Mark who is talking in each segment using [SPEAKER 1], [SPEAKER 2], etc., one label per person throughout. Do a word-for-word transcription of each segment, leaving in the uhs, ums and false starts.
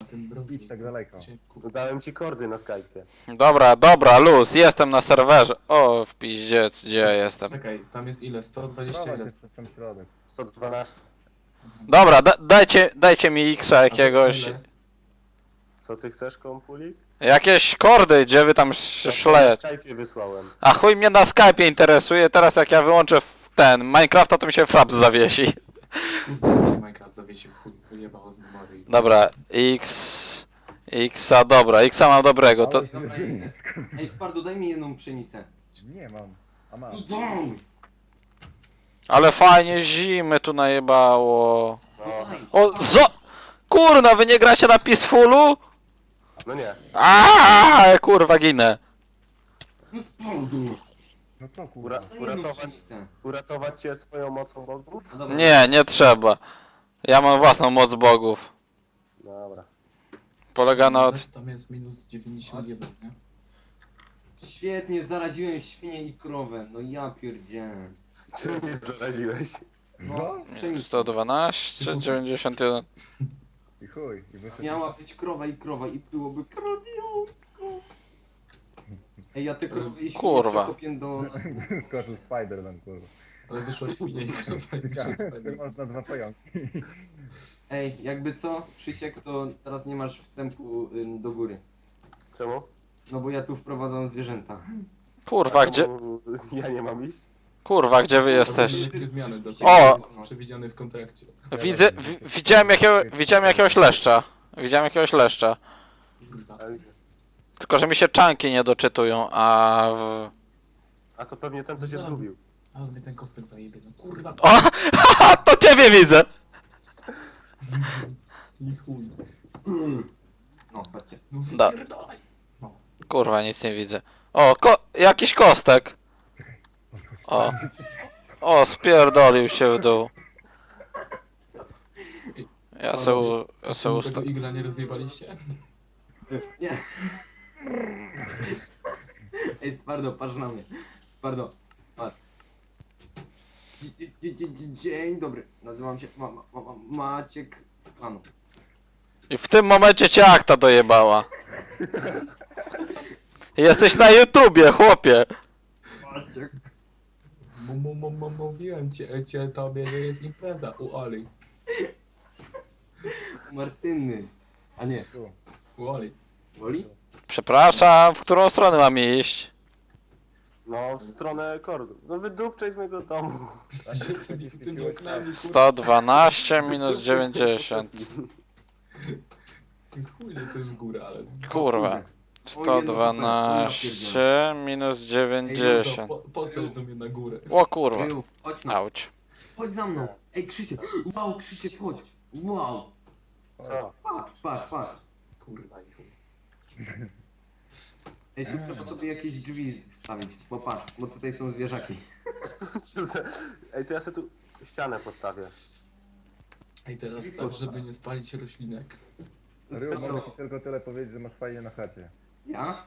[SPEAKER 1] tym broku.
[SPEAKER 2] Idź tak daleko.
[SPEAKER 3] Dałem ci kordy na Skype'ie.
[SPEAKER 4] Dobra, dobra, luz, jestem na serwerze. O, w piździec, gdzie ja jestem?
[SPEAKER 1] Czekaj, tam jest ile? sto dwadzieścia
[SPEAKER 2] Prowadź
[SPEAKER 1] ile?
[SPEAKER 2] się przez sam środek.
[SPEAKER 3] sto dwanaście.
[SPEAKER 4] Dobra, da dajcie, dajcie mi X-a
[SPEAKER 1] A
[SPEAKER 4] jakiegoś.
[SPEAKER 1] ile jest?
[SPEAKER 3] Co ty chcesz, kompulik?
[SPEAKER 4] Jakieś kordy, gdzie wy tam sz- szlejecie.
[SPEAKER 3] Na Skype'ie wysłałem.
[SPEAKER 4] A chuj mnie na Skype'ie interesuje, teraz jak ja wyłączę w ten Minecrafta, to mi się fraps zawiesi.
[SPEAKER 1] Kurde, mi się Minecraft zawiesił, chuj, wyjebało z memorii.
[SPEAKER 4] Dobra, X... Xa, dobra, Xa mam dobrego, to...
[SPEAKER 2] Ale się jest, kurwa.
[SPEAKER 5] Ej, Spardu, daj mi jedną pszenicę.
[SPEAKER 2] Nie mam. A mam.
[SPEAKER 5] Idę!
[SPEAKER 4] Ale fajnie zimy tu najebało.
[SPEAKER 3] No,
[SPEAKER 4] O, zo... Kurna, wy nie gracie na Peacefulu?
[SPEAKER 3] no nie.
[SPEAKER 4] Aaaa, kurwa, ginę.
[SPEAKER 5] No Spardu!
[SPEAKER 2] No co kurwa?
[SPEAKER 3] Ura
[SPEAKER 5] Daj jedną
[SPEAKER 3] uratować,
[SPEAKER 5] pszenicę.
[SPEAKER 3] uratować cię swoją mocą bogów?
[SPEAKER 5] No dobra.
[SPEAKER 4] Nie, nie trzeba. Ja mam własną moc bogów.
[SPEAKER 3] Dobra.
[SPEAKER 4] Polega na... Od...
[SPEAKER 1] Tam jest minus dziewięćdziesiąt jeden, nie?
[SPEAKER 5] Świetnie, zaraziłem świnię i krowę. No ja pierdzielę.
[SPEAKER 3] Czym mnie zaraziłeś?
[SPEAKER 5] No, pszenicę.
[SPEAKER 4] sto dwanaście, dziewięćdziesiąt jeden.
[SPEAKER 2] I chuj. I wyszedł.
[SPEAKER 5] Miała być krowa i krowa i byłoby krowiątko. Ej, ja te krowy i świnie
[SPEAKER 4] Kurwa.
[SPEAKER 5] przekopię do...
[SPEAKER 2] Skoczył Spider-Man, kurwa.
[SPEAKER 1] Ale wyszło świnie i
[SPEAKER 2] Ciekawe, czy można dwa pająki.
[SPEAKER 5] Ej, jakby co, Krzysiek, to teraz nie masz wstępu ym, do góry.
[SPEAKER 3] Czemu?
[SPEAKER 5] No bo ja tu wprowadzam zwierzęta.
[SPEAKER 4] Kurwa, gdzie...
[SPEAKER 3] Czemu ja nie mam iść?
[SPEAKER 4] Kurwa, gdzie wy jesteście?
[SPEAKER 1] Lekkie zmiany do
[SPEAKER 4] O!
[SPEAKER 1] przewidziane w kontrakcie.
[SPEAKER 4] Widzę... Wi widziałem jakiego... Widziałem jakiegoś leszcza. Widziałem jakiegoś leszcza.
[SPEAKER 1] Kurwa.
[SPEAKER 4] Tylko, że mi się czanki nie doczytują, a w...
[SPEAKER 3] A to pewnie ten, co cię zgubił.
[SPEAKER 1] A mnie ten kostek zajebie, no kurwa.
[SPEAKER 4] O! Haha, to ciebie widzę!
[SPEAKER 1] I chuj.
[SPEAKER 5] No, chodźcie.
[SPEAKER 1] No
[SPEAKER 4] Da.
[SPEAKER 1] wypierdolaj. No.
[SPEAKER 4] Kurwa, nic nie widzę. O, ko jakiś kostek. O. O, spierdolił się w dół. Ja se, u, ja se
[SPEAKER 1] Czemu
[SPEAKER 4] usta...
[SPEAKER 1] tego igla nie rozjebaliście?
[SPEAKER 5] Nie. Ej, Spardo, patrz na mnie. Spardo, patrz. Dzie- dzie- dzie- dzie- Dzień dobry. Nazywam się ma, ma, ma, Maciek z klanu.
[SPEAKER 4] I w tym momencie cię akta dojebała. Jesteś na YouTubie, chłopie.
[SPEAKER 5] Maciek.
[SPEAKER 1] M- m- m- m- Mówiłem cię, cię tobie, że jest impreza u Oli.
[SPEAKER 5] Martyny. A nie,
[SPEAKER 2] Tu.
[SPEAKER 1] U Oli.
[SPEAKER 5] Woli?
[SPEAKER 4] Przepraszam, w którą stronę mam iść?
[SPEAKER 3] No, w stronę kordu. No wydupczaj z mojego domu.
[SPEAKER 1] Tymi tymi oknami, kurwa.
[SPEAKER 4] sto dwanaście minus dziewięćdziesiąt.
[SPEAKER 1] Chuj, nie to jest góra, ale...
[SPEAKER 4] Kurwa. sto dwanaście minus
[SPEAKER 1] No,
[SPEAKER 4] dziewięćdziesiąt.
[SPEAKER 1] po, po coś do mnie na górę.
[SPEAKER 4] O kurwa.
[SPEAKER 5] Kryju, chodź na.
[SPEAKER 4] Auć.
[SPEAKER 5] Chodź za mną. Ej, Krzysiek. Wow, Krzysiek, chodź. Wow.
[SPEAKER 3] Co?
[SPEAKER 5] Patrz, patrz, patrz.
[SPEAKER 1] Kurwa i chuj.
[SPEAKER 5] Ej, tu trzeba tobie jakieś drzwi wstawić, bo patrz, bo tutaj są zwierzaki.
[SPEAKER 3] Co za- Ej, to ja sobie tu ścianę postawię.
[SPEAKER 1] Ej, teraz tak, żeby nie spalić roślinek.
[SPEAKER 2] Ryu, mogę ci tylko tyle powiedzieć, że masz fajnie na chacie.
[SPEAKER 5] Ja?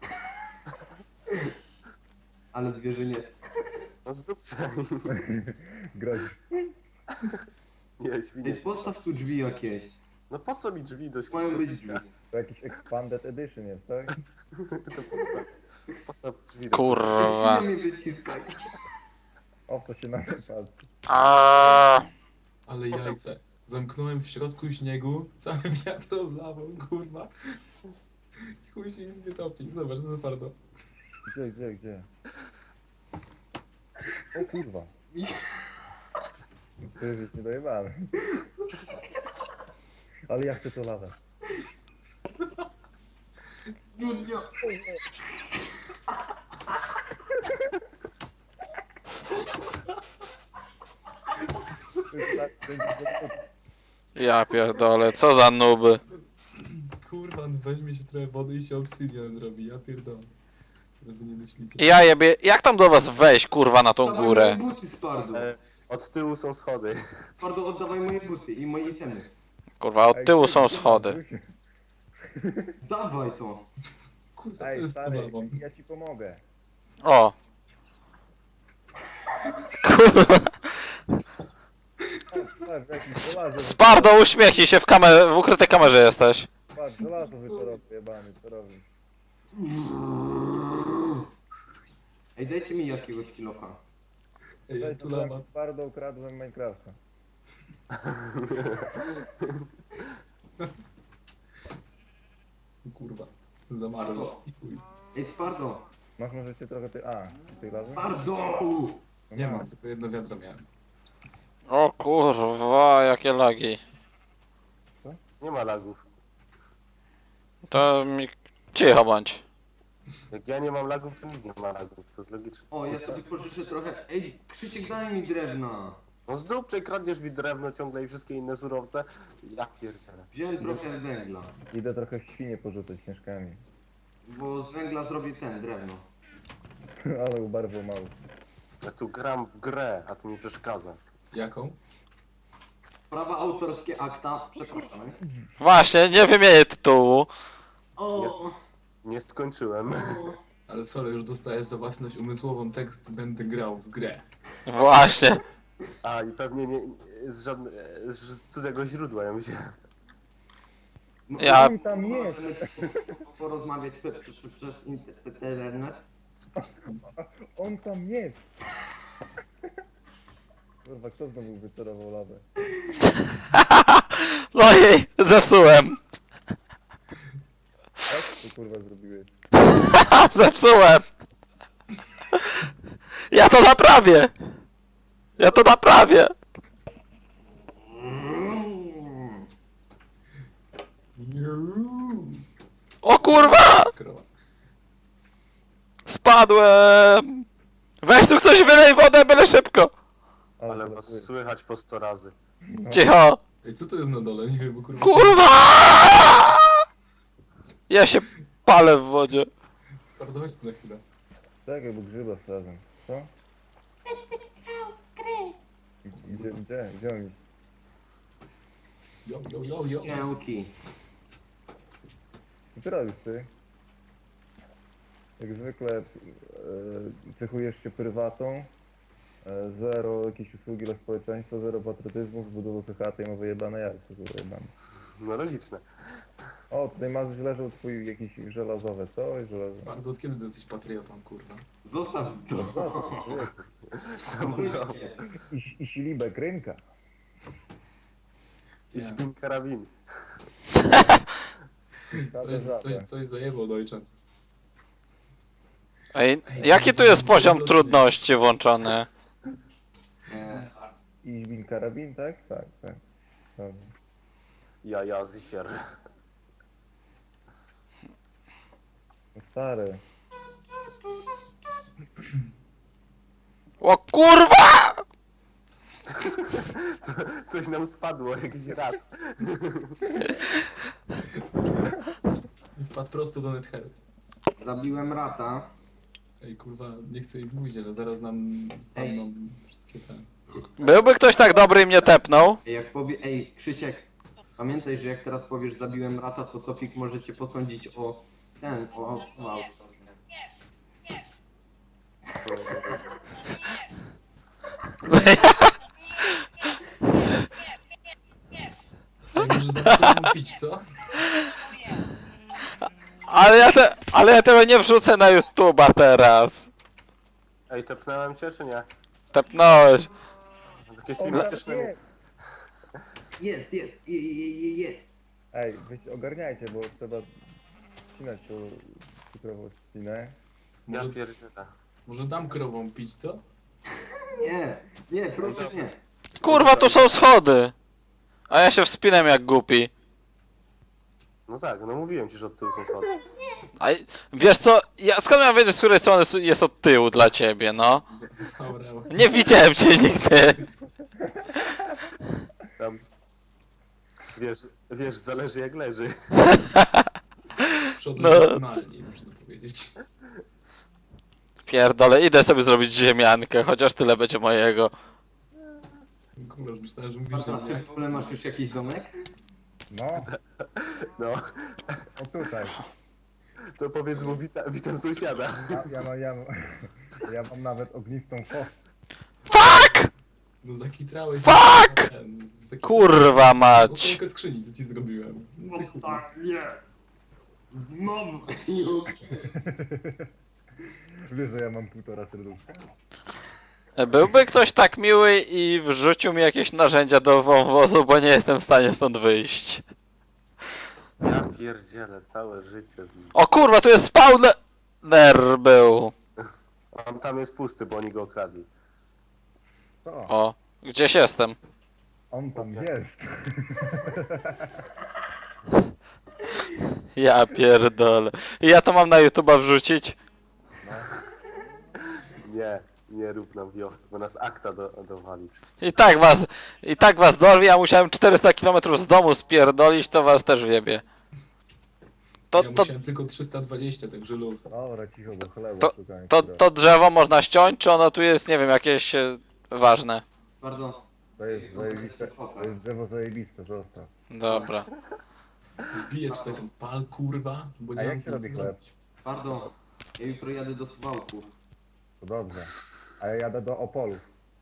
[SPEAKER 5] Ale zwierzę nie chce.
[SPEAKER 3] No zdupczaj.
[SPEAKER 2] Grozisz.
[SPEAKER 3] Nie,
[SPEAKER 5] Ej,
[SPEAKER 3] świnie.
[SPEAKER 5] postaw tu drzwi jakieś.
[SPEAKER 3] No po co mi drzwi do
[SPEAKER 5] Mają być drzwi.
[SPEAKER 2] To jakiś expanded edition jest, tak?
[SPEAKER 3] Postaw, postaw drzwi do
[SPEAKER 4] Kurwa.
[SPEAKER 5] Nie wyciskaj.
[SPEAKER 2] O, to się na mnie patrzy.
[SPEAKER 4] A.
[SPEAKER 1] Ale jajce. Zamknąłem w środku śniegu, cały wiatr rozlawał, kurwa. I chuj się nic nie topi. Zobacz, co za bardzo.
[SPEAKER 2] Gdzie, gdzie, gdzie? O kurwa. To jest już niedojebany. Ale ja chcę to lawę.
[SPEAKER 4] Ja pierdolę, co za nuby.
[SPEAKER 1] Kurwa, weźmie się trochę wody i się obsydian zrobi, ja pierdolę. Żeby nie myślicie.
[SPEAKER 4] Ja jebie, jak tam do was wejść, kurwa, na tą
[SPEAKER 5] Oddawaj
[SPEAKER 4] górę?
[SPEAKER 5] moje buty, Spardu.
[SPEAKER 3] E, Od tyłu są schody.
[SPEAKER 5] Spardu, oddawaj moje buty i moje itemy.
[SPEAKER 4] Kurwa, od tyłu są schody.
[SPEAKER 5] Dawaj to.
[SPEAKER 1] Kurwa, co
[SPEAKER 2] Ej,
[SPEAKER 1] jest z
[SPEAKER 2] stary,
[SPEAKER 1] tobą?
[SPEAKER 2] ja ci pomogę.
[SPEAKER 4] O. Kurwa.
[SPEAKER 2] Patrz, patrz, jakiś żelazo.
[SPEAKER 4] Spardo, uśmiechnij się, w, kamer w ukrytej kamerze jesteś.
[SPEAKER 2] Patrz, Patrz, żelazo wytorowy jebany, co robi?
[SPEAKER 5] Ej, dajcie mi jakiegoś kilofa.
[SPEAKER 1] Ej, ja
[SPEAKER 2] Weź,
[SPEAKER 1] tu
[SPEAKER 2] to
[SPEAKER 1] lama.
[SPEAKER 2] twardo ukradłem Minecrafta.
[SPEAKER 1] Kurwa. Zamarło. I chuj.
[SPEAKER 5] Ej, Spardo!
[SPEAKER 2] Masz może się trochę ty... A, ty lawy?
[SPEAKER 5] Spardo!
[SPEAKER 2] No
[SPEAKER 1] Nie
[SPEAKER 2] masz.
[SPEAKER 1] mam, tylko jedno wiadro miałem.
[SPEAKER 4] O kurwa, jakie lagi.
[SPEAKER 3] Nie ma lagów.
[SPEAKER 4] To mi... Cicho bądź.
[SPEAKER 3] Jak ja nie mam lagów, to nikt nie ma lagów. To jest logiczne.
[SPEAKER 5] O, ja sobie pożyczę trochę... Ej, Krzysiek, daj mi drewna!
[SPEAKER 3] No z dupy kradniesz mi drewno ciągle i wszystkie inne surowce. Ja pierdzielę.
[SPEAKER 5] Wziąłem trochę węgla.
[SPEAKER 2] Idę trochę w świnie porzucać śnieżkami.
[SPEAKER 5] Bo z węgla zrobię ten, drewno.
[SPEAKER 2] Ale ubarwał mało.
[SPEAKER 3] Ja tu gram w grę, a ty mi przeszkadzasz.
[SPEAKER 1] Jaką?
[SPEAKER 5] Prawa autorskie akta, przepraszam.
[SPEAKER 4] Właśnie, nie wymienię tytułu.
[SPEAKER 5] O!
[SPEAKER 3] Jest. Nie skończyłem.
[SPEAKER 1] Ale sorry, już dostajesz za własność umysłową tekst będę grał w grę.
[SPEAKER 4] Właśnie.
[SPEAKER 3] A i pewnie nie, z, żadne, z cudzego źródła ja myślę.
[SPEAKER 4] Ja-
[SPEAKER 2] Oj, tam jest!
[SPEAKER 5] Porozmawiać przez, przez, przez, przez internet.
[SPEAKER 2] On tam jest! Kurwa, kto znowu wycerował lawę?
[SPEAKER 4] No i zepsułem.
[SPEAKER 2] Jak to kurwa zrobiłeś?
[SPEAKER 4] Zepsułem. Ja to naprawię. Ja to naprawię. O kurwa!
[SPEAKER 1] Krowa.
[SPEAKER 4] Spadłem. Weź tu ktoś wylej wodę, byle szybko.
[SPEAKER 3] Ale
[SPEAKER 2] to
[SPEAKER 3] was
[SPEAKER 2] jest.
[SPEAKER 3] słychać po sto razy.
[SPEAKER 4] Cicho.
[SPEAKER 1] Ej, co to jest na dole? Nie wiem, bo kurwa...
[SPEAKER 4] Kurwa! Ja się palę w wodzie.
[SPEAKER 1] Spardo, chodź tu na chwilę.
[SPEAKER 2] Czekaj, bo grzyba wsadzę. Co? Gdzie, gdzie? Gdzie on iść?
[SPEAKER 1] Jo, jo, jo, jo.
[SPEAKER 5] Cięki.
[SPEAKER 2] Co ty robisz, ty? Jak zwykle e, cechujesz się prywatą, e, zero jakieś usługi dla społeczeństwa, zero patriotyzmu, zbudował sobie chatę i ma wyjebane jajce, kurwa jebane.
[SPEAKER 3] No logiczne.
[SPEAKER 2] O, tutaj masz leżał twój jakiś żelazowe, co? Żelazo.
[SPEAKER 1] Spardo, od kiedy ty jesteś patriotą, kurwa?
[SPEAKER 5] Zostaw to.
[SPEAKER 3] Samochód.
[SPEAKER 2] I, i silibek rynka.
[SPEAKER 3] I śpin karabin.
[SPEAKER 1] To jest, to jest, to jest zajebał, dojczan.
[SPEAKER 4] Ej, jaki tu jest poziom trudności włączony?
[SPEAKER 5] E,
[SPEAKER 2] I żbin karabin, tak? Tak, tak. Dobra.
[SPEAKER 3] Ja, ja, zicher.
[SPEAKER 2] No stary.
[SPEAKER 4] O kurwa!
[SPEAKER 3] Co, coś nam spadło, jakiś raz.
[SPEAKER 1] Wpadł prosto do Nether.
[SPEAKER 5] Zabiłem rata.
[SPEAKER 1] Ej, kurwa, nie chcę ich mówić, ale zaraz nam padną wszystkie te...
[SPEAKER 4] Byłby ktoś tak dobry i mnie tepnął?
[SPEAKER 5] Ej, jak powie... Ej, Krzysiek. Pamiętaj, że jak teraz powiesz zabiłem rata, to Sofik może cię posądzić o... Ten, o... o wow.
[SPEAKER 1] Ej, może dać komu pić, co?
[SPEAKER 4] Ale ja, te, ale ja tego nie wrzucę na YouTube'a teraz.
[SPEAKER 3] Ej, tepnąłem cię, czy nie?
[SPEAKER 4] Tepnąłeś.
[SPEAKER 3] Takie
[SPEAKER 2] On tam
[SPEAKER 3] klimatyczne...
[SPEAKER 2] jest!
[SPEAKER 5] Jest, jest, je, je, je, jest.
[SPEAKER 2] Ej, wy ogarniajcie, bo trzeba ścinać tą cukrową trzcinę.
[SPEAKER 3] Ja
[SPEAKER 1] Może,
[SPEAKER 3] pierdzielę.
[SPEAKER 1] może dam krową pić, co?
[SPEAKER 5] Nie, nie, proszę nie.
[SPEAKER 4] Kurwa, tu są schody. A ja się wspinam jak głupi.
[SPEAKER 3] No tak, no mówiłem ci, że od tyłu są schody.
[SPEAKER 4] A i- wiesz co, ja skąd miałem wiedzieć, z której strony s- jest od tyłu dla ciebie, no?
[SPEAKER 1] Dobra,
[SPEAKER 4] Nie widziałem cię nigdy.
[SPEAKER 3] Tam... Wiesz, wiesz, zależy jak leży.
[SPEAKER 1] przodu
[SPEAKER 4] No.
[SPEAKER 1] normalnie, można powiedzieć.
[SPEAKER 4] Pierdolę, idę sobie zrobić ziemiankę, chociaż tyle będzie mojego.
[SPEAKER 1] Kurwa, już myślałem, że mówisz, że
[SPEAKER 5] Sparta, ty
[SPEAKER 1] nie.
[SPEAKER 5] w ogóle masz już jakiś domek?
[SPEAKER 2] No,
[SPEAKER 3] No,
[SPEAKER 2] o tutaj.
[SPEAKER 3] to powiedz mu wita, witam sąsiada.
[SPEAKER 2] Ja, ja, mam, ja, mam, ja mam nawet ognistą fosę.
[SPEAKER 4] Fuck!
[SPEAKER 1] No zakitrałeś.
[SPEAKER 4] Fuck!
[SPEAKER 1] Ten, zakitrałeś.
[SPEAKER 4] Kurwa mać.
[SPEAKER 1] Oponkę skrzyni, co ci zrobiłem. No ty chuj.
[SPEAKER 5] jest. Znowu.
[SPEAKER 2] Wiesz, że ja mam półtora serduszka?
[SPEAKER 4] Byłby ktoś tak miły i wrzucił mi jakieś narzędzia do wąwozu, bo nie jestem w stanie stąd wyjść.
[SPEAKER 3] Ja pierdzielę, całe życie z nim.
[SPEAKER 4] O kurwa, tu jest spawner był.
[SPEAKER 3] On tam jest pusty, bo oni go okradli.
[SPEAKER 2] To,
[SPEAKER 4] O, gdzieś jestem.
[SPEAKER 2] on tam jest.
[SPEAKER 4] Ja pierdolę. I ja to mam na YouTube'a wrzucić?
[SPEAKER 3] Nie, nie rób nam wioch, bo nas akta do, dowali przecież.
[SPEAKER 4] I tak was, i tak was dorwi, ja musiałem czterysta kilometrów z domu spierdolić, to was też wiebie. To,
[SPEAKER 1] Ja
[SPEAKER 4] to,
[SPEAKER 1] musiałem tylko trzysta dwadzieścia, także luz.
[SPEAKER 2] Dobra, cicho, bo chleba
[SPEAKER 4] To-
[SPEAKER 2] szukałem.
[SPEAKER 4] to,
[SPEAKER 2] które-
[SPEAKER 4] to drzewo można ściąć, czy ono tu jest, nie wiem, jakieś e, ważne?
[SPEAKER 5] Pardon.
[SPEAKER 2] To jest zajebiste, to jest drzewo zajebiste, zostaw.
[SPEAKER 4] Dobra.
[SPEAKER 1] Wbiję tutaj ten pal, kurwa, bo nie
[SPEAKER 2] A
[SPEAKER 1] mam
[SPEAKER 2] jak się
[SPEAKER 1] co
[SPEAKER 2] robi chleb?
[SPEAKER 1] zrobić.
[SPEAKER 5] Pardon. Ja jutro jadę do Suwałku.
[SPEAKER 2] To dobrze. A ja jadę do Opolu.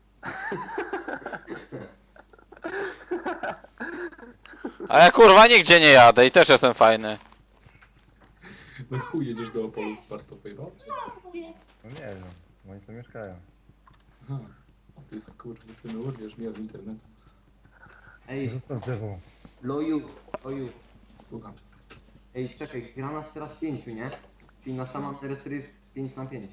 [SPEAKER 4] A ja kurwa nigdzie nie jadę i też jestem fajny.
[SPEAKER 1] No chuj, jedziesz do Opolu w Spartowej, no?
[SPEAKER 2] No nie wiem, oni tu mieszkają.
[SPEAKER 1] Aha. A ty skurwysynu, urwiesz mnie od internetu.
[SPEAKER 5] Ej,
[SPEAKER 2] Zostaw drzewo.
[SPEAKER 5] loju, loju.
[SPEAKER 1] Słucham.
[SPEAKER 5] Ej, czekaj, gra nas teraz pięciu, nie? Czyli na samą terytorię pięć na pięć.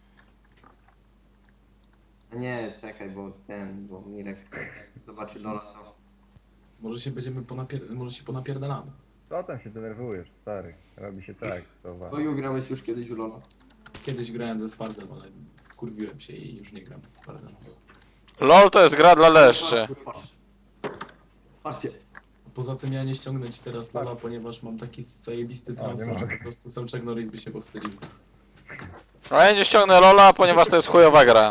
[SPEAKER 5] A nie, czekaj, bo ten, bo Mirek zobaczy Lola to.
[SPEAKER 1] Może się będziemy ponapier... może się ponapierdalamy.
[SPEAKER 2] Co tam się denerwujesz, stary? Robi się tak, to wa.
[SPEAKER 5] Loju, grałeś już kiedyś w Lola.
[SPEAKER 1] Kiedyś grałem ze Spardem, ale kurwiłem się i już nie gram ze Spardem.
[SPEAKER 4] LOL to jest gra dla leszczy.
[SPEAKER 5] Patrz. Patrzcie.
[SPEAKER 1] Poza tym ja nie ściągnę ci teraz Lola, ponieważ mam taki zajebisty
[SPEAKER 2] nie
[SPEAKER 1] transfer, że
[SPEAKER 2] mogę.
[SPEAKER 1] po prostu sam Chuck Norris by się powstydził.
[SPEAKER 4] A ja nie ściągnę LOLa, ponieważ to jest chujowa gra.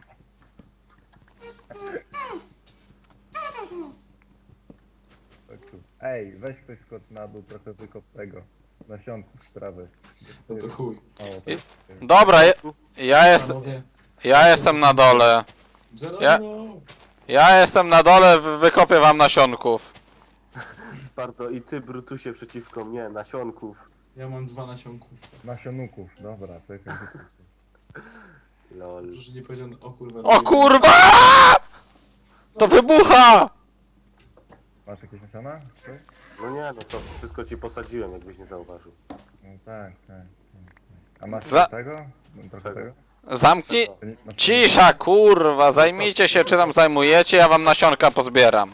[SPEAKER 2] Tak tu. Ej, weź ktoś skocz na dół, trochę wykop tego. Nasionku z trawy.
[SPEAKER 1] No to chuj.
[SPEAKER 2] O, to
[SPEAKER 4] I-
[SPEAKER 2] jest-
[SPEAKER 4] Dobra, ja, ja, jest,
[SPEAKER 1] Panowie,
[SPEAKER 4] ja jestem na dole.
[SPEAKER 1] Geronimo!
[SPEAKER 4] Ja jestem na dole, wy- wykopię wam nasionków.
[SPEAKER 3] Sparto i ty, Brutusie, przeciwko mnie, nasionków.
[SPEAKER 1] Ja mam dwa nasionków.
[SPEAKER 2] Nasionuków, dobra, czekaj.
[SPEAKER 3] Lol.
[SPEAKER 1] Proszę nie powiedział, o kurwa.
[SPEAKER 4] O kurwa! To wybucha!
[SPEAKER 2] Masz jakieś nasiona? Coś?
[SPEAKER 3] No nie, no co, wszystko ci posadziłem, jakbyś nie zauważył.
[SPEAKER 2] No tak, tak. tak, tak. A masz
[SPEAKER 4] Za-
[SPEAKER 2] tego? No, trochę
[SPEAKER 3] Czego?
[SPEAKER 2] tego?
[SPEAKER 4] Zamknij...
[SPEAKER 3] Czego?
[SPEAKER 2] To nie- masz-
[SPEAKER 4] Cisza, kurwa, zajmijcie się, czy tam zajmujecie, ja wam nasionka pozbieram.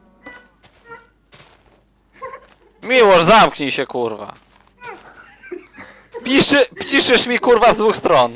[SPEAKER 4] Miłosz, zamknij się, kurwa. Piszy, piszysz mi, kurwa, z dwóch stron.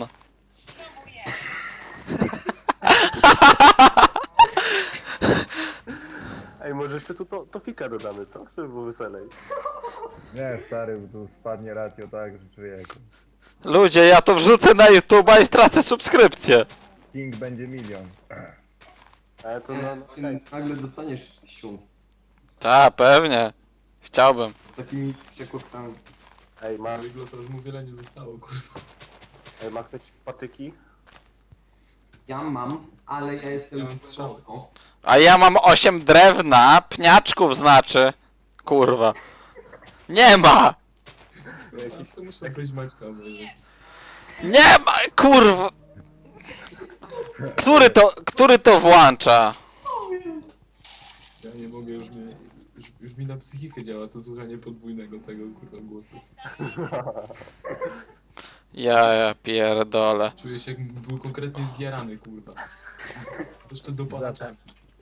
[SPEAKER 3] Ej, może jeszcze tu to, to fika dodamy, co? Żeby było weselej.
[SPEAKER 2] Nie, stary, bo tu spadnie ratio tak, że człowieku.
[SPEAKER 4] Ludzie, ja to wrzucę na YouTube'a i stracę subskrypcję.
[SPEAKER 2] King będzie milion.
[SPEAKER 3] Ale to no, no
[SPEAKER 5] Ty
[SPEAKER 3] hej,
[SPEAKER 5] nagle dostaniesz siód
[SPEAKER 4] Tak, pewnie. Chciałbym.
[SPEAKER 5] z takimi przekłopcami.
[SPEAKER 3] ej,
[SPEAKER 1] Na
[SPEAKER 3] masz,
[SPEAKER 1] to już mu wiele nie zostało, kurwa.
[SPEAKER 3] ej, ma ktoś patyki?
[SPEAKER 5] Ja mam, ale ja jestem
[SPEAKER 1] Ja mam strzały.
[SPEAKER 5] o,
[SPEAKER 4] A ja mam osiem drewna, pniaczków znaczy. Kurwa. Nie ma!
[SPEAKER 1] Jakiś to muszę być Maćka, bo...
[SPEAKER 4] Nie ma, kurwa. Który to, który to włącza?
[SPEAKER 1] Ja nie mogę, już mi, już, już mi na psychikę działa to słuchanie podwójnego tego, kurwa, głosu.
[SPEAKER 4] Ja, ja pierdolę.
[SPEAKER 1] Czuję się, jakbym był konkretnie zjarany, kurwa. Jeszcze dopada czas.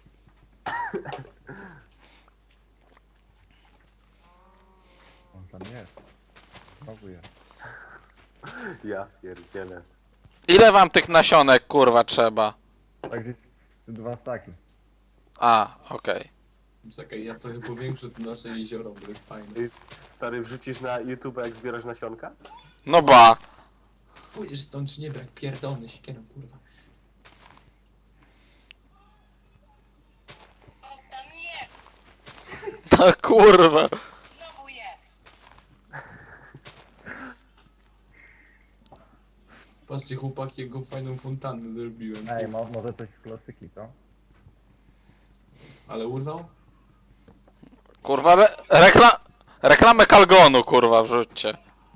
[SPEAKER 2] On tam jest. Znowu jest.
[SPEAKER 3] Ja pierdzielę.
[SPEAKER 4] Ile wam tych nasionek, kurwa, trzeba?
[SPEAKER 2] Tak gdzieś z- dwa staki.
[SPEAKER 4] A, okej.
[SPEAKER 1] Czekaj, ja trochę powiększę to nasze jezioro, bo jest fajne.
[SPEAKER 3] Ej, stary, wrzucisz na YouTube, jak zbierasz nasionka?
[SPEAKER 4] No ba.
[SPEAKER 1] Pójdziesz stąd czy nie, bo jak pierdolny siekierą, kurwa.
[SPEAKER 4] No kurwa.
[SPEAKER 1] Patrzcie chłopaki, jaką fajną fontannę zrobiłem.
[SPEAKER 2] Ej, mo może coś z klasyki, co?
[SPEAKER 1] Ale urwał?
[SPEAKER 4] Kurwa, re rekla reklamę Kalgonu, kurwa, wrzućcie.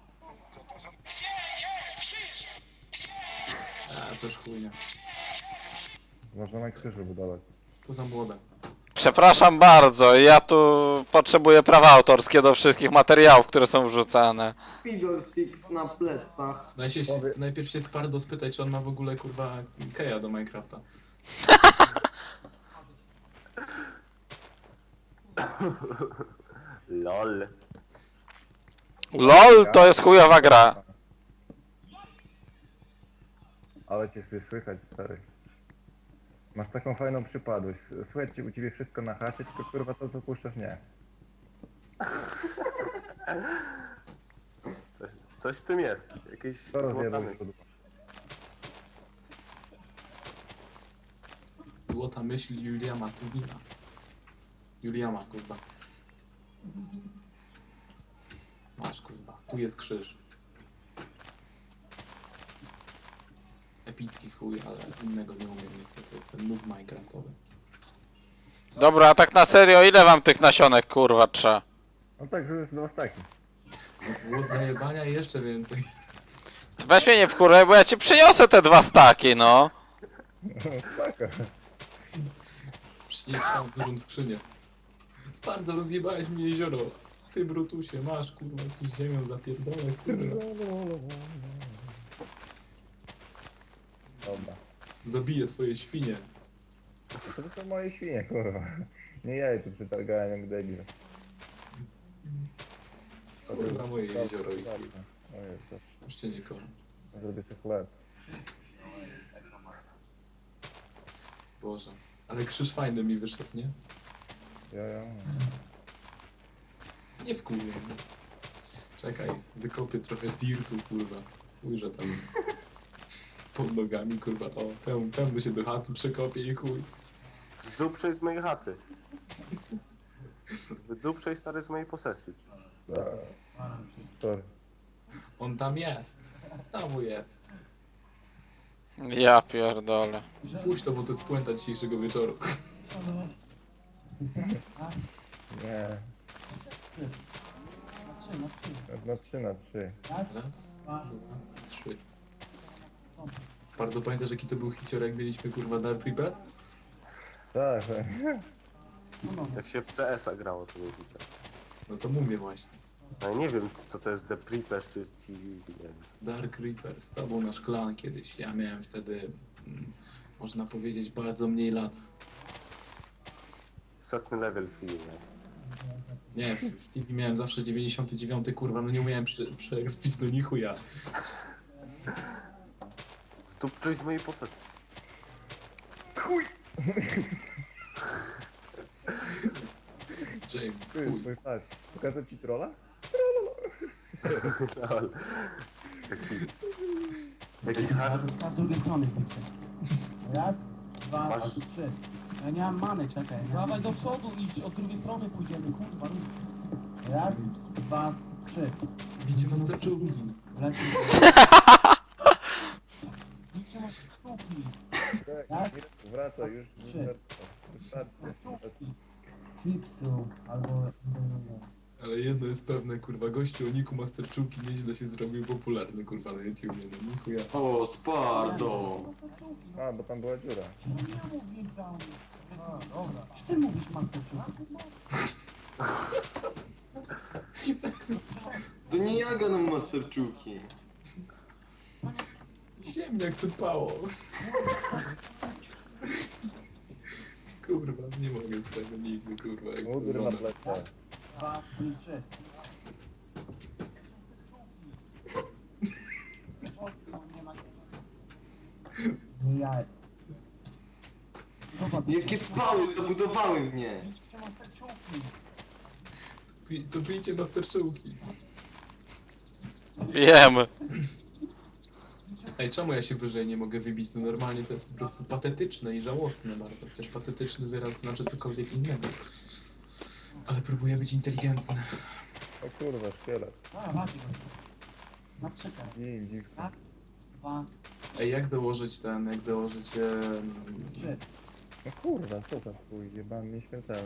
[SPEAKER 1] A, też chujnia.
[SPEAKER 2] Można na krzyżu budować.
[SPEAKER 1] To za młode.
[SPEAKER 4] Przepraszam bardzo, ja tu potrzebuję prawa autorskie do wszystkich materiałów, które są wrzucane.
[SPEAKER 5] Fiddlesticks na plecach.
[SPEAKER 1] Najpierw się,
[SPEAKER 2] Powie-
[SPEAKER 1] najpierw się Spardo spytaj, czy on ma w ogóle kurwa keja do Minecrafta.
[SPEAKER 3] Lol.
[SPEAKER 4] LOL to jest chujowa gra.
[SPEAKER 2] Ale cię sobie słychać, stary. Masz taką fajną przypadłość. Słychać ci u ciebie wszystko na chacie, tylko kurwa to co puszczasz nie.
[SPEAKER 3] Coś, coś w tym jest. Jakieś
[SPEAKER 2] To
[SPEAKER 3] złota
[SPEAKER 2] rozjebał
[SPEAKER 3] myśl.
[SPEAKER 2] się.
[SPEAKER 1] Złota myśl Juliana Tuwina. Juliana, kurwa. Masz, kurwa. Tu jest krzyż. Epicki w chuj, ale innego nie umiem niestety. Jestem noob minecraftowy.
[SPEAKER 4] Dobra, a tak na serio, ile wam tych nasionek, kurwa, trzeba?
[SPEAKER 2] No tak, to jest dwa staki.
[SPEAKER 1] Głód zajebania i jeszcze więcej.
[SPEAKER 4] Weź mnie nie wkurwaj, bo ja ci przyniosę te dwa staki, no.
[SPEAKER 2] Staka.
[SPEAKER 1] Przynieś tam dużą skrzynię. Bardzo rozjebałeś mi jezioro. Ty Brutusie, masz kurwa ci ziemią zapierdolę, kurwa.
[SPEAKER 2] Dobra.
[SPEAKER 1] Zabiję twoje świnie.
[SPEAKER 2] To są moje świnie, kurwa. Nie ja je tu przetargałem jak debil.
[SPEAKER 1] Kurwa moje jezioro i chuj.
[SPEAKER 2] O Jezu,
[SPEAKER 1] Już cię nie kocham.
[SPEAKER 2] zrobię sobie chleb.
[SPEAKER 1] Boże. Ale krzyż fajny mi wyszedł, nie?
[SPEAKER 2] Ja, ja.
[SPEAKER 1] Nie wkurwię mnie. Czekaj, wykopię trochę dirtu, kurwa. Ujrzę tam pod nogami, kurwa. O, pełno, pełno się do chaty przekopię i chuj.
[SPEAKER 3] Zduprzej z mojej chaty. Wyduprzej stary z mojej posesji.
[SPEAKER 2] Sorry.
[SPEAKER 1] On tam jest. Znowu jest.
[SPEAKER 4] Ja pierdolę.
[SPEAKER 1] Puść to, bo to jest puenta dzisiejszego wieczoru.
[SPEAKER 2] Nie. Na trzy na trzy.
[SPEAKER 1] Raz, dwa, trzy. Bardzo pamiętasz jaki to był hicior, jak mieliśmy kurwa Dark Reapers?
[SPEAKER 2] Tak,
[SPEAKER 3] Jak się w C S a grało, to nie widział.
[SPEAKER 1] No to mówię właśnie.
[SPEAKER 3] No ja nie wiem, co to jest The Preepers, czy ci... nie wiem.
[SPEAKER 1] Dark Reapers, to był nasz klan kiedyś. Ja miałem wtedy, mm, można powiedzieć, bardzo mniej lat.
[SPEAKER 3] Setny level film, ja.
[SPEAKER 1] Nie, w w T V miałem zawsze dziewięćdziesiąty dziewiąty kurwa, no nie umiałem prze, przeekspić do nichu ja.
[SPEAKER 3] Zduprzej z mojej posesji.
[SPEAKER 1] James,
[SPEAKER 2] ty,
[SPEAKER 1] chuj.
[SPEAKER 2] twój patrz. Pokażę ci trolla?
[SPEAKER 3] Lol. Jaki... Jaki hard...
[SPEAKER 6] A z drugiej strony pójdźcie. Raz, dwa,
[SPEAKER 3] Masz-
[SPEAKER 6] trzy. Ja nie mam many, czekaj. Dawaj do przodu idź, od drugiej strony pójdziemy, kurwa. Raz, dwa, trzy.
[SPEAKER 1] Bicie was zaczęło.
[SPEAKER 6] Leci. Idźcie masz sztuki.
[SPEAKER 2] Tak, wraca już.
[SPEAKER 6] Trzy.
[SPEAKER 2] Wystarczy.
[SPEAKER 6] Sztuki. Chipsu, albo...
[SPEAKER 1] Ale jedno jest pewne, kurwa, gościu o niku Masterczułki nieźle się zrobił popularny, kurwa, na YouTubie, no nichu ja.
[SPEAKER 5] O, Spardo!
[SPEAKER 2] A, bo tam była dziura.
[SPEAKER 6] Ja mówię tam. A, dobra. Ty mówisz Marteczuk.
[SPEAKER 5] To nie ja gadam masterczuki.
[SPEAKER 1] Ziemniak wypało. Kurwa, nie mogę z tego nigdy, kurwa, jak to
[SPEAKER 2] Mugry na
[SPEAKER 1] wygląda.
[SPEAKER 2] plecach.
[SPEAKER 6] Dwa, trzy. Nie jaj. Zobacz,
[SPEAKER 5] Jakie pały zabudowały mnie!
[SPEAKER 6] idźcie Marteczuki.
[SPEAKER 1] Pi- To pijcie Masterczułki.
[SPEAKER 4] Wiem.
[SPEAKER 1] Ej, czemu ja się wyżej nie mogę wybić? No normalnie to jest po prostu patetyczne i żałosne bardzo. Przecież patetyczny wyraz znaczy cokolwiek innego. Ale próbuję być inteligentny.
[SPEAKER 2] O kurwa, szkielet.
[SPEAKER 6] A, macie go. Na trzykę.
[SPEAKER 2] Dzień, dziw.
[SPEAKER 6] Raz, dwa,
[SPEAKER 1] Ej, jak dołożyć ten, jak dołożyć... em,
[SPEAKER 6] trzy.
[SPEAKER 2] No kurwa, co za chuj, jebany nieśmiertelny.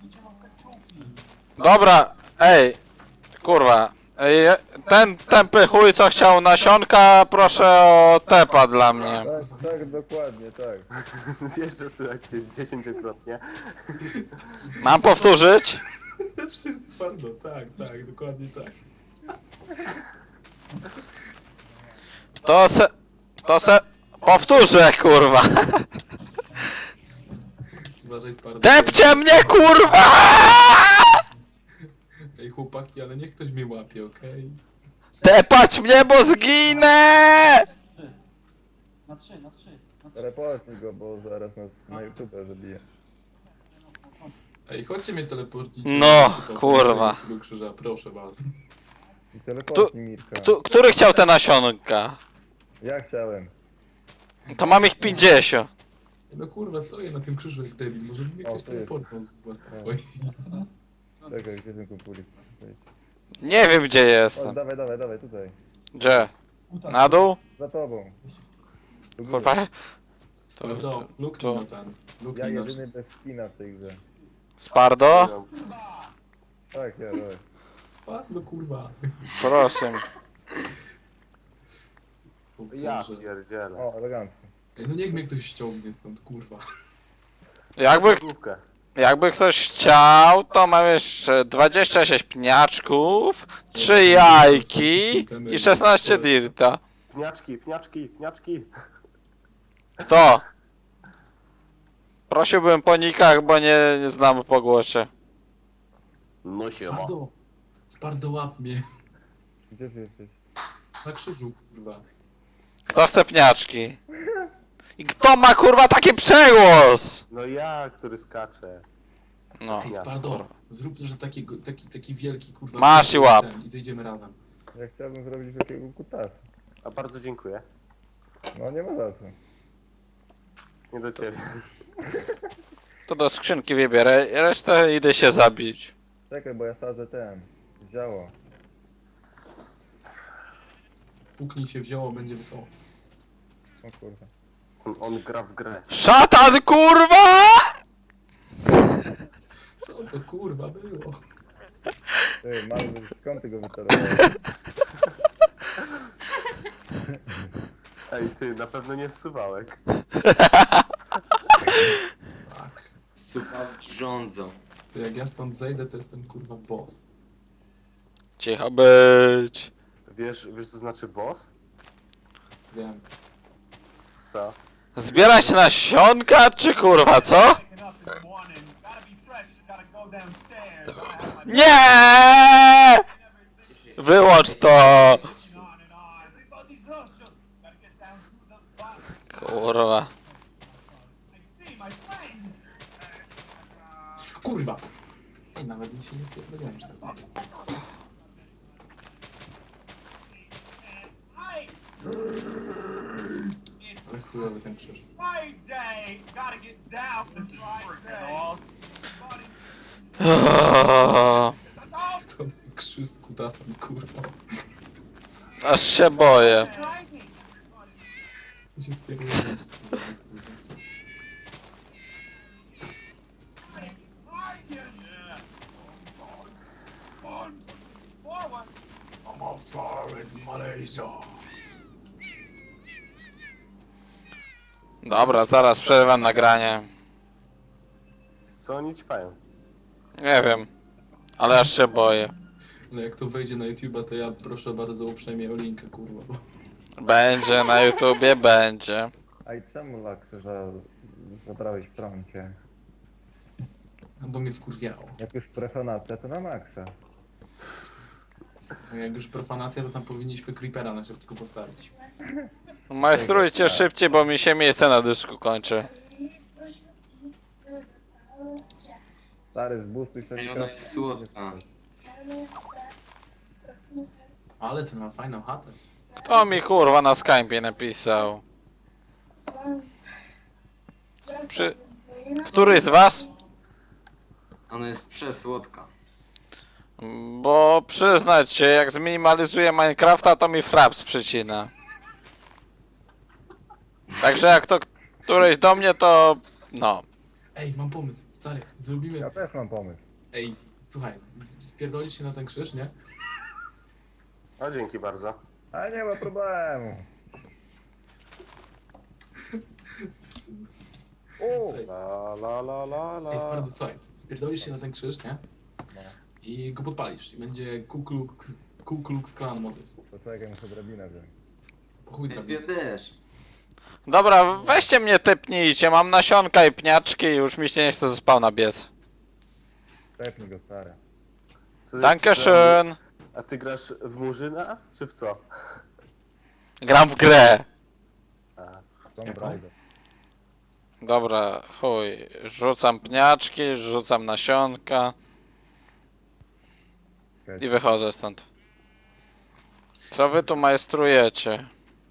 [SPEAKER 4] Dobra, ej, kurwa. Ej, ten tępy chuj, co chciał nasionka, proszę o tepa dla mnie.
[SPEAKER 2] Tak, tak, dokładnie, tak.
[SPEAKER 3] Jeszcze słychać cię dziesięciokrotnie.
[SPEAKER 4] Mam powtórzyć?
[SPEAKER 1] Spardo, tak, tak, dokładnie tak.
[SPEAKER 4] To se... To se... Powtórzę, kurwa.
[SPEAKER 1] Uważaj, Spardo.
[SPEAKER 4] Depcie mnie, kurwa!
[SPEAKER 1] Ej, chłopaki, ale niech ktoś mnie łapie, okej?
[SPEAKER 4] Depać mnie, bo zginę!
[SPEAKER 6] Na trzy, na trzy, na trzy.
[SPEAKER 2] Reportuj go, bo zaraz nas na YouTube zabije.
[SPEAKER 1] Ej, chodźcie mnie teleportnić.
[SPEAKER 4] No, kurwa.
[SPEAKER 1] Do krzyża, proszę was.
[SPEAKER 2] I teleportnij Mirka.
[SPEAKER 4] Kto, który chciał te nasionka?
[SPEAKER 2] Ja chciałem.
[SPEAKER 4] To mam ich pięćdziesiąt.
[SPEAKER 1] No kurwa, stoję na tym krzyżu jak debil, może mnie
[SPEAKER 2] O,
[SPEAKER 1] ktoś
[SPEAKER 2] tu jest.
[SPEAKER 1] teleportnął z was
[SPEAKER 2] No.
[SPEAKER 1] swoich.
[SPEAKER 2] Czekaj, gdzie ten kumpulik?
[SPEAKER 4] Nie wiem, gdzie
[SPEAKER 2] O,
[SPEAKER 4] jestem.
[SPEAKER 2] dawaj, dawaj, dawaj, tutaj.
[SPEAKER 4] Gdzie?
[SPEAKER 6] Uta,
[SPEAKER 4] Na dół?
[SPEAKER 2] Za tobą. Do góry.
[SPEAKER 4] Kurwa. To,
[SPEAKER 1] Spardo,
[SPEAKER 4] to,
[SPEAKER 1] luknij
[SPEAKER 4] to.
[SPEAKER 1] na ten.
[SPEAKER 2] Ja
[SPEAKER 1] Luknij na
[SPEAKER 2] jedyny bez skina w tej grze.
[SPEAKER 4] Spardo?
[SPEAKER 2] Tak, ja, dawaj.
[SPEAKER 1] Spardo, kurwa.
[SPEAKER 4] Proszę.
[SPEAKER 1] O
[SPEAKER 3] Ja
[SPEAKER 1] Boże.
[SPEAKER 3] pierdzielę.
[SPEAKER 2] O, elegancko.
[SPEAKER 1] Ej, no niech mnie ktoś ściągnie stąd, kurwa.
[SPEAKER 4] Jakby,
[SPEAKER 3] Główkę.
[SPEAKER 4] jakby ktoś chciał, to mam jeszcze dwadzieścia sześć pniaczków, trzy jajki i szesnaście dirta.
[SPEAKER 3] Pniaczki, pniaczki, pniaczki.
[SPEAKER 4] Kto? Prosiłbym po nikach, bo nie, nie znam po głosie.
[SPEAKER 3] No siema.
[SPEAKER 1] Spardo, Spardo, łap mnie.
[SPEAKER 2] Gdzie ty jesteś?
[SPEAKER 1] Na krzyżu, kurwa.
[SPEAKER 4] Kto chce pniaczki? I kto ma kurwa taki przegłos?
[SPEAKER 3] No ja, który skacze.
[SPEAKER 4] No.
[SPEAKER 1] Ej, Spardo, zrób, że taki, taki, taki wielki, kurwa.
[SPEAKER 4] Masz i łap.
[SPEAKER 1] ten I zejdziemy razem.
[SPEAKER 2] Ja chciałbym zrobić takiego kutasa.
[SPEAKER 3] A bardzo dziękuję.
[SPEAKER 2] No nie ma za co.
[SPEAKER 3] Nie do ciebie.
[SPEAKER 4] To do skrzynki wybierę, resztę idę się zabić.
[SPEAKER 2] Czekaj, bo ja sadzę ten. Zioło.
[SPEAKER 1] Puknij się wzięło, będzie wesoło.
[SPEAKER 2] O kurwa.
[SPEAKER 3] On, on gra w grę.
[SPEAKER 4] Szatan kurwa!
[SPEAKER 1] Co to kurwa było?
[SPEAKER 2] Ty, mały, skąd ty go wytarowałeś?
[SPEAKER 3] Ej, ty, na pewno nie zsuwałek.
[SPEAKER 1] Tak.
[SPEAKER 5] Słuchawki rządzą.
[SPEAKER 1] To jak ja stąd zejdę, to jestem kurwa boss.
[SPEAKER 4] Cicho być.
[SPEAKER 3] Wiesz, wiesz co znaczy boss?
[SPEAKER 1] Wiem.
[SPEAKER 3] Co?
[SPEAKER 4] Zbierać nasionka, czy kurwa, co?
[SPEAKER 7] Waking up this morning, gotta be fresh, gotta go downstairs. Gotta have my
[SPEAKER 4] Nie! Wyłącz to!
[SPEAKER 7] on and on. They got these roaches. Gotta get down to the bottom.
[SPEAKER 4] Kurwa.
[SPEAKER 7] I see my friends.
[SPEAKER 1] Kurwa! Ej, nawet mi się nie spodziewałem, że tak.
[SPEAKER 7] I. It's
[SPEAKER 1] Ale chujowy ten krzyż.
[SPEAKER 7] my day. Gotta get down. This is my day.
[SPEAKER 4] O,
[SPEAKER 1] To krzyż z kutasem, kurwa.
[SPEAKER 4] aż się boję.
[SPEAKER 1] To się spierdolę.
[SPEAKER 7] Forward.
[SPEAKER 1] I'm a foreign Malaysia.
[SPEAKER 4] Dobra, zaraz przerwam nagranie.
[SPEAKER 3] Co oni ćpają?
[SPEAKER 4] Nie wiem. Ale aż się boję.
[SPEAKER 1] No jak to wejdzie na YouTube'a, to ja proszę bardzo uprzejmie o linkę, kurwa. Bo...
[SPEAKER 4] Będzie na YouTubie, będzie.
[SPEAKER 2] A i czemu dla krzyża zabrałeś w prącie?
[SPEAKER 1] No bo mnie wkurwiało.
[SPEAKER 2] Jak już profanacja, to na maksa.
[SPEAKER 1] No jak już profanacja, to tam powinniśmy creepera na szybko postawić.
[SPEAKER 4] Majstrujcie szybciej, bo mi się miejsce na dysku kończy.
[SPEAKER 2] Stary, zbustuj sobie
[SPEAKER 5] Ej, ona jest słodka.
[SPEAKER 1] Ale to ma fajną chatę.
[SPEAKER 4] Kto mi kurwa na Skype'ie napisał? Przy... Który z was?
[SPEAKER 5] Ona jest przesłodka.
[SPEAKER 4] Bo przyznać się, jak zminimalizuję Minecrafta, to mi fraps przycina. Także jak to któreś do mnie, to no.
[SPEAKER 1] Ej, mam pomysł, stary, zrobimy...
[SPEAKER 2] Ja też mam pomysł.
[SPEAKER 1] Ej, słuchaj, wpierdolisz się na ten krzyż, nie?
[SPEAKER 3] A dzięki bardzo.
[SPEAKER 2] A nie ma problemu. O!
[SPEAKER 1] Słuchaj,
[SPEAKER 3] La la la la
[SPEAKER 1] Ej,
[SPEAKER 3] la.
[SPEAKER 1] Spardo, słuchaj, wpierdolisz się na ten krzyż, nie?
[SPEAKER 2] No.
[SPEAKER 1] I go podpalisz i będzie Ku Klux, Ku Klux Klan motyw.
[SPEAKER 2] To czekaj, muszę drabinę wziąć.
[SPEAKER 1] Po chuj
[SPEAKER 5] Ja
[SPEAKER 1] drabiny.
[SPEAKER 5] też.
[SPEAKER 4] Dobra, weźcie mnie typnijcie, mam nasionka i pniaczki i już mi się nie chce ze spawna biec.
[SPEAKER 2] Tepnij go, stary.
[SPEAKER 3] Ty-
[SPEAKER 4] Dankeschön.
[SPEAKER 3] A ty grasz w Murzyna, czy w co?
[SPEAKER 4] Gram w grę.
[SPEAKER 2] Tom
[SPEAKER 1] Jaką?
[SPEAKER 2] Braider.
[SPEAKER 4] Dobra, chuj. Rzucam pniaczki, rzucam nasionka i wychodzę stąd. Co wy tu majstrujecie?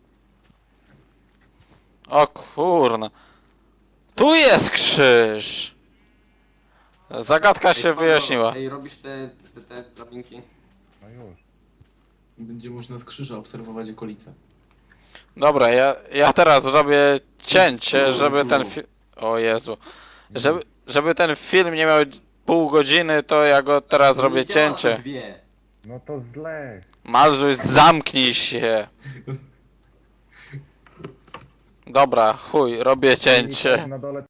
[SPEAKER 4] O kurna. Tu jest krzyż! Zagadka się
[SPEAKER 5] Ej, Spardo,
[SPEAKER 4] wyjaśniła.
[SPEAKER 5] Ej, robisz te, te, te drabinki?
[SPEAKER 2] No już.
[SPEAKER 1] Będzie można z krzyża obserwować okolice.
[SPEAKER 4] Dobra, ja, ja teraz zrobię cięcie, żeby ten film... O Jezu. Żeby, żeby ten film nie miał pół godziny, to ja go teraz zrobię
[SPEAKER 5] Nie działa to
[SPEAKER 4] cięcie.
[SPEAKER 5] Dwie.
[SPEAKER 2] No to źle.
[SPEAKER 4] Malzuś, zamknij się. Dobra, chuj, robię cięcie.
[SPEAKER 2] Na dole